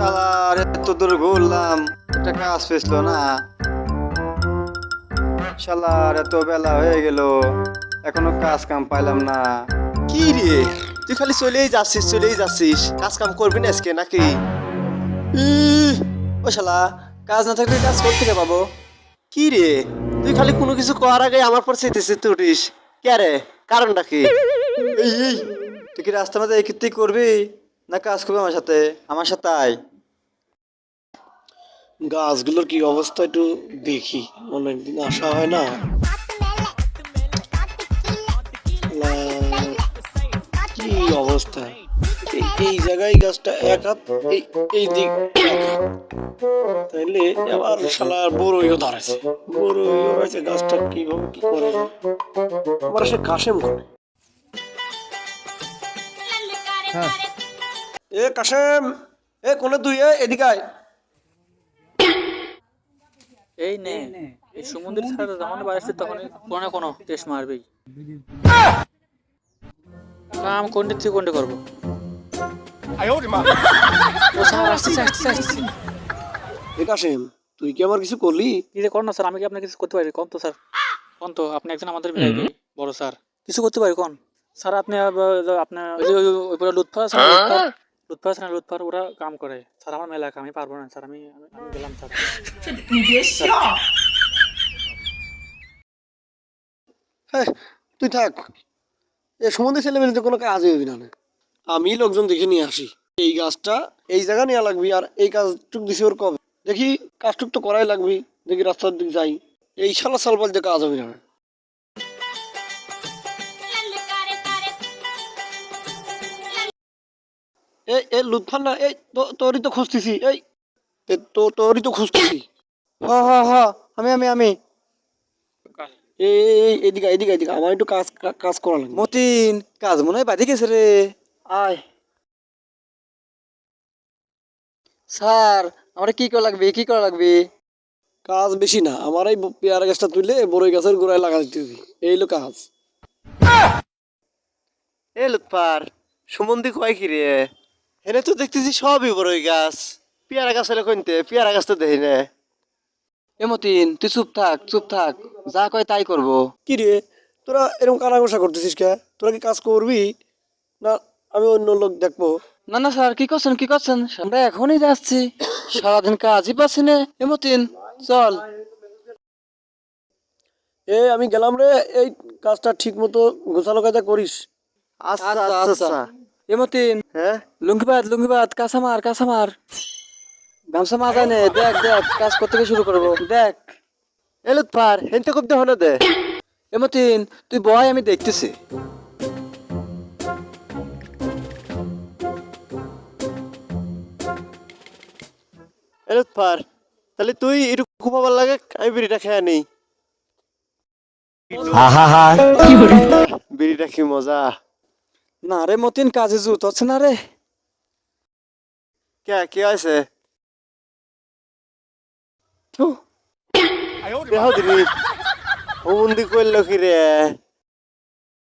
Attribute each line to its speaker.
Speaker 1: শালার এত দূর ঘুরলাম, একটা কাজ পেছিল না। শালার এত বেলা হয়ে গেল, এখনো কাজ কাম পাইলাম না।
Speaker 2: কি রে, তুই খালি চলেই যাচ্ছিস, কাজ কাম করবি না আজকে নাকি? ও শালা, কাজ না থাকলে কাজ করতে কে পাবো? কি রে, তুই খালি কোনো কিছু করার আগে আমার পর চেতেছিস তুটিস কে রে? কারণটা কি?
Speaker 1: এই তুই কি রাস্তার মাঝে এই কীর্তি করবি না কাজ করবি আমার সাথে? আমার সাথে আয়।
Speaker 3: গাছগুলোর কি অবস্থা একটু দেখি, অনেকদিন আসা হয় না। কি অবস্থা! এই জায়গায় গাছটা এক হাত, এই দিক এক হাত। তাইলে আবার শালা বড়ইও ধরেছে, গাছটা কিভাবে কি করে আবার সে কাশেম করে। এ কাশেম, এ কোনে তুই? এদিকে আয়।
Speaker 4: এই নে, এই সমুদ্রের ছাড়া যখন বাড়ছে তখন কোনো না কোনো টেস্ট মারবেই। কাম কোনটি থেকে কোনটি করবো? ও স্যার, আসতেছে।
Speaker 3: এ কাশেম, তুই কি আমার কিছু করলি?
Speaker 4: কি যে কর না স্যার, আমি কি আপনার কিছু করতে পারি? কোন তো স্যার, কোন তো আপনি একজন আমাদের ভিআইপি বড় স্যার, কিছু করতে পারি কোন? স্যার আপনি আপনার ওই লুৎফা আছে না, লুৎফার ওরা কাম করে স্যার। আমার মেলা কাম, আমি পারবো না স্যার, আমি গেলাম স্যার।
Speaker 3: হ্যাঁ, তুই থাক, এ সম্বন্ধে ছেলে মেলে তো কোনো কাজই হবি না। আমি লোকজন দেখে নিয়ে আসি। এই গাছটা এই জায়গা নেওয়া লাগবি, আর এই কাজটুক দিছি ওর কবে দেখি, কাজটুক তো করাই লাগবি। দেখি রাস্তার দিক যাই, এই শালা সালপাল দিয়ে কাজ হবে না। লুৎফান না, তোরই তো খুঁজতেছি, তোরই তো খুঁজতেছি।
Speaker 1: হ আমি
Speaker 3: এদিকে আমার একটু কাজ করা লাগবে।
Speaker 1: মতিন, কাজ মনে হয় বাধি গেছে রে।
Speaker 3: আয়
Speaker 1: স্যার, আমার কি করা লাগবে?
Speaker 3: কাজ বেশি না, আমার এই পেয়ারা গাছটা তুলে বড়ই গাছের গোড়ায় লাগা দিতে হবে, এই হলো কাজ।
Speaker 2: এ লুৎফার, সুমন্দি কয় কি রে? এনে তো দেখতেছি সবই বড়ই গাছ, পেয়ারা গাছ হলে কইতে, পেয়ারা গাছ তো দেখি না।
Speaker 1: এ মতিন, তুই চুপ থাক, যা কয় তাই করবো।
Speaker 3: কি রে, তোরা এরকম কানাঘোষা করতেছিস কে? তোরা কি কাজ করবি না আমি অন্য লোক দেখবো?
Speaker 1: না স্যার, কি করছেন? আমরা এখনই যাচ্ছি, সারাদিন কাজই পাচ্ছি না। এ মতিন, চল।
Speaker 3: আমি গেলাম রে, এই কাজটা ঠিক মতো গোছানো কাজা করিস।
Speaker 2: আচ্ছা।
Speaker 1: এ মতিন,
Speaker 2: হ্যাঁ,
Speaker 1: লুঙ্গিবাদ, কাঁচামার। গামছা মাজায় নে, দেখ কাজ করতে শুরু করবো, দেখ।
Speaker 2: এ লুৎফার, হেনতে খুব দেহ না দে।
Speaker 1: এ মতিন, তুই বয়, আমি দেখতেছি।
Speaker 2: এ লুৎফার, তাহলে তুই একটু ঘুমাবার লাগে, আমি বিড়িটা খেয়ে নেই। বিড়িটা কি মজা!
Speaker 1: না রে মতিন, কাজে জুত হচ্ছে না রে।
Speaker 2: কি আছে? দেহ দিনি হুমন্দি করলো কি রে?